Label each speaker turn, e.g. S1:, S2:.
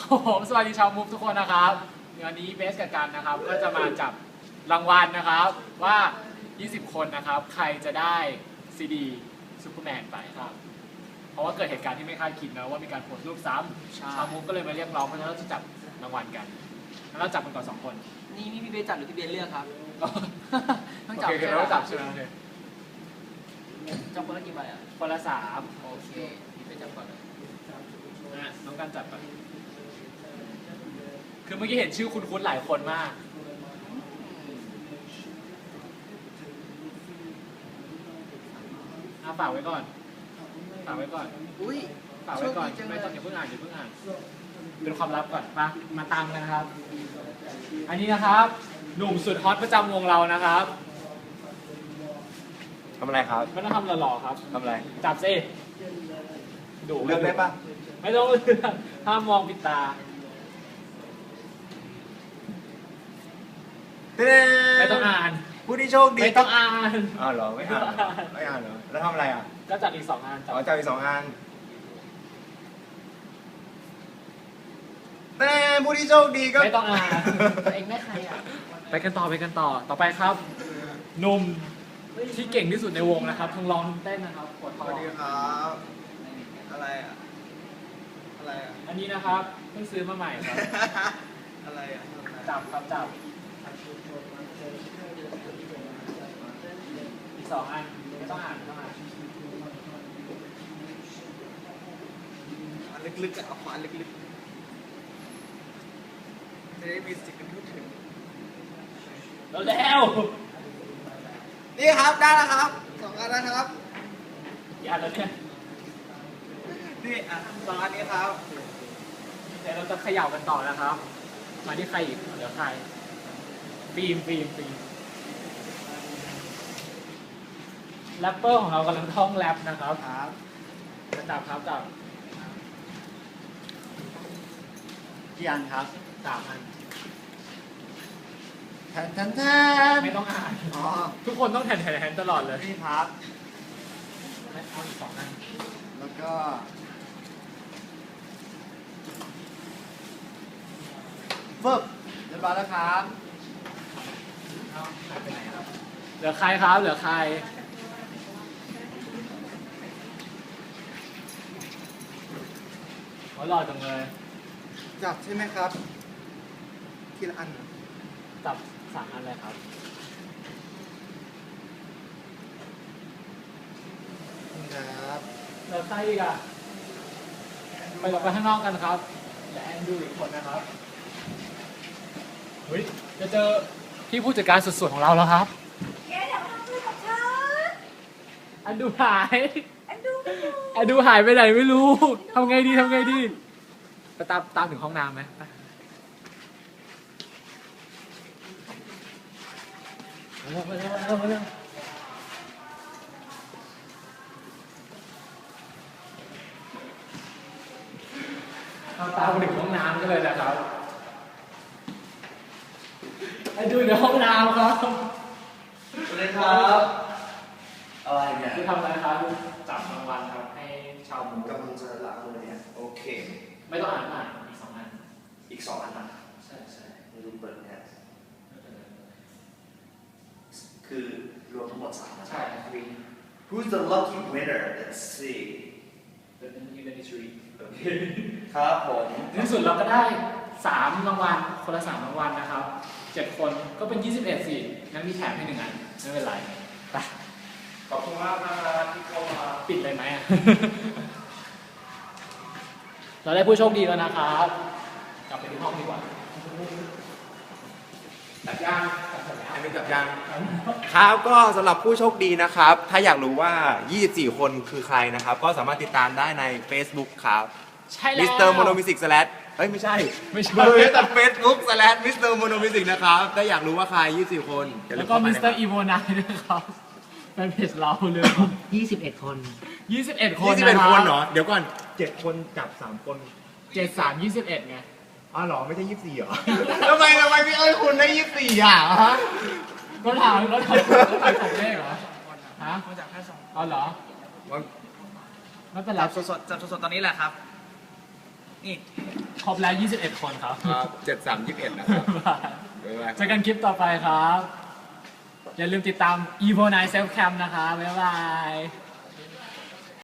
S1: ผมสวัสดีชาวมุกทุกคนนะครับวันนี้เบสกับกันนะครับก็จะมาจับรางวัลนะครับว่า 20 คนนะครับใครจะได้ซีดีซูเปอร์แมนไปครับเพราะว่าเกิดเหตุการณ์ที่ไม่คาดคิดนะว่ามีการโพสต์รูปซ้ำชาวมุกก็เลยมาเรียกร้องเพราะฉะนั้นเราจะจับรางวัลกันแล้วเราจับกันก่อน2 คน
S2: นี่พี่เบสจับหรือพี่เบสเลือกครับต้องจับ
S1: โอเคเราจับใช่ไหม
S2: จับคนละกี่ใบอ่ะ
S1: คนละ3
S2: โอเคพี่เบสจับก่อนเลย
S1: น้องกันจับไปคือเมื่อกี้เห็นชื่อคุ้นๆหลายคนมากฝากไว้ก่อนฝากไว้ก่อน
S2: อุ้ย
S1: ฝากไว้ก่อนไม่ต้องอย่าเพิ่งอ่านเป็นความลับก่อนมาตามกันนะครับอันนี้นะครับหนุ่มสุดฮอตประจำวงเรานะครับ
S3: ทำอะไรครับ
S1: ไม่ต้องทำหล่อๆครับ
S3: ทำอะไร
S1: จับสิดู
S3: เลือกได้ปะ
S1: ไม่ต้องเลือกห้ามมองปิดตาไม่ต้องอ่าน
S3: ผู้ที่โชคดี
S1: ไม่ต้องอ่าน
S3: อ้าวเหรอไม่อ่านไม่อ่านเหรอแล้วทำอะไรอ่ะ
S1: ก็จับอีก2 อัน
S3: จับอีก2 อันแต่ผู้ที่โชคดีก็
S1: ไม่ต้องอ่าน
S2: ตัวเองได้ใครอ่ะ
S1: ไปกันต่อไปครับหนุ่มที่เก่งที่สุดในวงนะครับทั้งร้องทั้งเต้นนะครับกดท
S3: ส
S1: อ
S3: วัสดีครับอะไรอ่ะอะไรอ่ะ
S1: อันนี้นะครับเพิ่งซื้อมาใหม่ครับ
S3: อะไรอ่ะ
S1: จับอีก2 อันไม่ต้องอ่าน
S3: อันลึกๆอ่ะเอาอันลึกๆจะได้มีสิ่งที่พูดถึง
S1: แล้ว
S3: นี่ครับได้แล้วครับ2 อันนะครับ
S1: อย่าแล้วเนี่ย
S3: นี่อ่ะ2 อันนี้ครับ
S1: เดี๋ยวเราจะเขย่ากันต่อนะครับ มาที่ใครอีกเดี๋ยวใครฟิล์มแรปเปอร์ของเรากำลังท่องแรปนะครับจับ
S3: กี่อันครับ
S1: 3 อัน
S3: แทน
S1: ไม่ต้องอ่าน
S3: อ๋อ
S1: ทุกคนต้องแทนตลอดเลย
S3: นี่ครับ
S1: เอาอีก2 อัน
S3: แล้วก็เฟิบเรียบร้อยแล้วครับ
S1: หายไปไหนครับเหลือใครครับหล่อจังเลย
S3: จับใช่ไหมครับทีละอัน
S1: จับ3 อันเลยครับ
S3: ครับ
S1: แล้วใครอีกอ่ะไปออกไปข้างนอกกันครับและแอนดูอีกคนนะครับเฮ้ยจะเจอพี่ผู้จัดการสุดๆของเราแล้วครับ
S4: แกอยากทำอะไรกับฉัน
S1: อันดูหาย
S4: อันดู
S1: หายไปไหนไม่รู้ทำไงดีไปตามถึงห้องน้ำไหมมาเร็วตามไปถึงห้องน้ำกันเลยนะครับไปดูในห้องน้ำครับ
S3: สวัสดีครับอะไรเนี่ย
S1: คือทำอะไรครับจับรางวัลครับให้ชาวมุก
S3: กำลังจะล้างมือเนี่ยโอเค
S1: ไม่ต้องอ่านอีก2 อัน
S3: อีก2 อันนะ
S1: ใช่
S3: ไม่รู้เปิดเนี่ยคือรวมทั้งหมด3 นะ
S1: ใช่
S3: Who's the lucky winner Let's see
S1: The Industry
S3: โอเคครับผม
S1: ในที่สุดเราก็ได้3 รางวัลคนละ3 รางวัลนะครับ7 คนก็เป็น21สิงั้นมีแถมให้1 อันไม่เป็นไรไป
S3: ขอบคุณมากนะครับที่เข้ามา
S1: ปิดเลยไหม เราได้ผู้โชคดีแล้วนะครับกลับไปที่ห้องดีกว่าจับยัง
S3: ครับก็สำหรับผู้โชคดีนะครับถ้าอยากรู้ว่า24 คนคือใครนะครับก็สามารถติดตามได้ใน Facebook ครับ
S1: ใช่แล้ว
S3: Mr. Mono Music/ เฮ้ยไม่ใช่เบอร์แต่ Facebook/ Mr. Mono Music นะครับถ้าอยากรู้ว่าใคร24 คน
S1: แล้วก็ Mr. Evo9 ด้วยครับแฟนเพจเราเลย
S2: 21 คน
S1: 21 คน
S3: 21 คนเหรอเดี๋ยวก่อน7 คนจับ3 คน
S1: 7 3 21ไง
S3: อ๋อเหรอไม่ใช่24เหรอทำไมพี่เอ้ยคุณได้24อ่ะฮะ
S1: ก็ถามผมเลขเหรอฮะ
S2: มาจากแค่2
S1: อ๋อเหรอไม่เป็นไร
S2: จับสดตอนนี้แหละครับนี่
S1: ครบแล้ว 21 คนครับ
S3: ครับ7321นะครับ
S1: บ๊ายบายเจอกันคลิปต่อไปครับ อย่าลืมติดตาม Evo Night Self Cam นะคะบ๊ายบาย